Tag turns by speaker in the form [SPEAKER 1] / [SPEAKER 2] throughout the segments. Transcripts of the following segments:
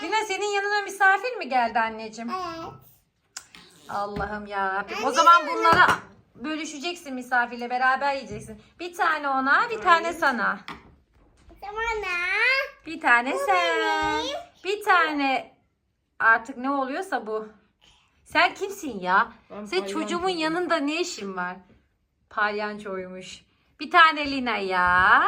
[SPEAKER 1] Lina senin yanına misafir mi geldi anneciğim?
[SPEAKER 2] Evet.
[SPEAKER 1] Allah'ım yarabbim. O zaman bunları bölüşeceksin misafirle beraber yiyeceksin. Bir tane ona, bir tane sana.
[SPEAKER 2] Bana.
[SPEAKER 1] Bir tane sen. Bir tane artık ne oluyorsa bu. Sen kimsin ya?
[SPEAKER 3] Ben
[SPEAKER 1] Sen çocuğumun
[SPEAKER 3] palyaçoyum.
[SPEAKER 1] yanında ne işin var? Palyançoymuş. Bir tane Lina ya.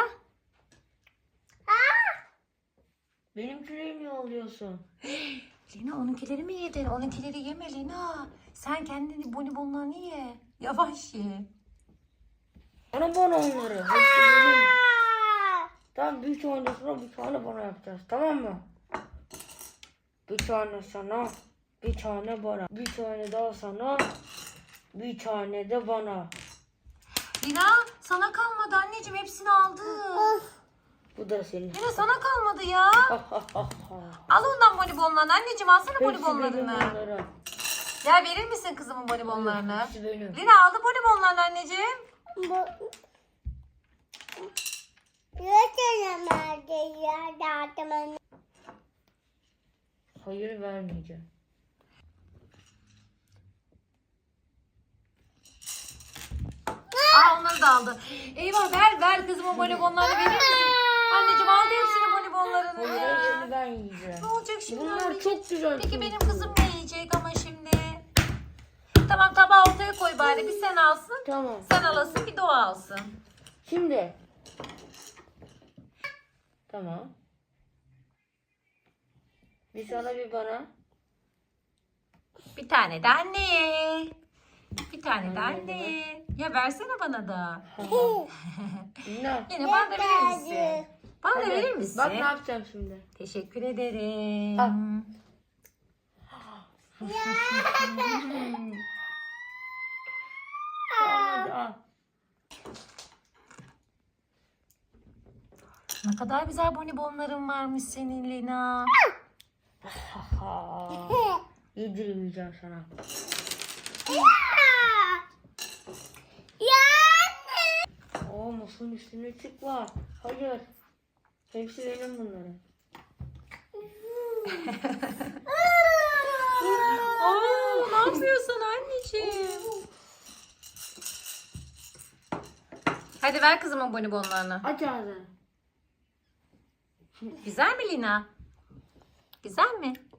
[SPEAKER 3] Benimkileri niye alıyorsun?
[SPEAKER 1] Lina onunkileri mi yedin? Onunkileri yeme Lina. Sen kendini bonibonlarını ye. Yavaş ye.
[SPEAKER 3] Bana onları. Hepsi benim. Tamam bir tane sana bir tane bana yapacağız. Tamam mı? Bir tane sana. Bir tane bana. Bir tane daha sana. Bir tane de bana.
[SPEAKER 1] Lina sana kalmadı anneciğim, hepsini aldı.
[SPEAKER 3] Bu da senin.
[SPEAKER 1] Lina sana kalmadı ya.
[SPEAKER 3] Ha, ha, ha, ha.
[SPEAKER 1] Al ondan bonibonlarını anneciğim, alsana
[SPEAKER 3] Hepsi benim
[SPEAKER 1] bonibonlarını.
[SPEAKER 3] onların.
[SPEAKER 1] Ya verir misin kızımın bonibonlarını?
[SPEAKER 3] Hepsi benim.
[SPEAKER 1] Lina aldı bonibonlarını anneciğim.
[SPEAKER 3] Hayır vermeyeceğim.
[SPEAKER 1] Aa onları da aldı. Eyvah ver kızımın bonibonlarını verir misin? Anneciğim aldı hepsini bonibonlarını.
[SPEAKER 3] Hayır hepsini ben yiyeceğim.
[SPEAKER 1] Ne olacak şimdi
[SPEAKER 3] Bunlar
[SPEAKER 1] anneciğim?
[SPEAKER 3] çok güzel.
[SPEAKER 1] Peki benim kızım ne yiyecek ama şimdi? Tamam tabağı ortaya koy bari. Bir sen alsın.
[SPEAKER 3] Tamam.
[SPEAKER 1] Sen alasın, bir de o alsın.
[SPEAKER 3] Şimdi. Tamam. Bir sana bir bana.
[SPEAKER 1] Bir tane de anneye. Bir tane de anneye. Ya versene bana da.
[SPEAKER 3] Dinle.
[SPEAKER 1] Yine bana da verir misin? Bana da
[SPEAKER 3] Hadi.
[SPEAKER 1] verir misin?
[SPEAKER 3] Bak ne yapacağım şimdi.
[SPEAKER 1] Teşekkür ederim.
[SPEAKER 3] Al. Hadi al.
[SPEAKER 1] Ne kadar güzel bonibonların varmış senin Lina.
[SPEAKER 3] Ha. Yedirmeyeceğim sana. Aa masanın üstüne çıkma. Hayır. Hepsi benim bunların.
[SPEAKER 1] Oo, ne yapıyorsun anneciğim? Hadi ver kızımın bonibonlarını.
[SPEAKER 3] Aç ağzını.
[SPEAKER 1] Güzel mi Lina? Güzel mi?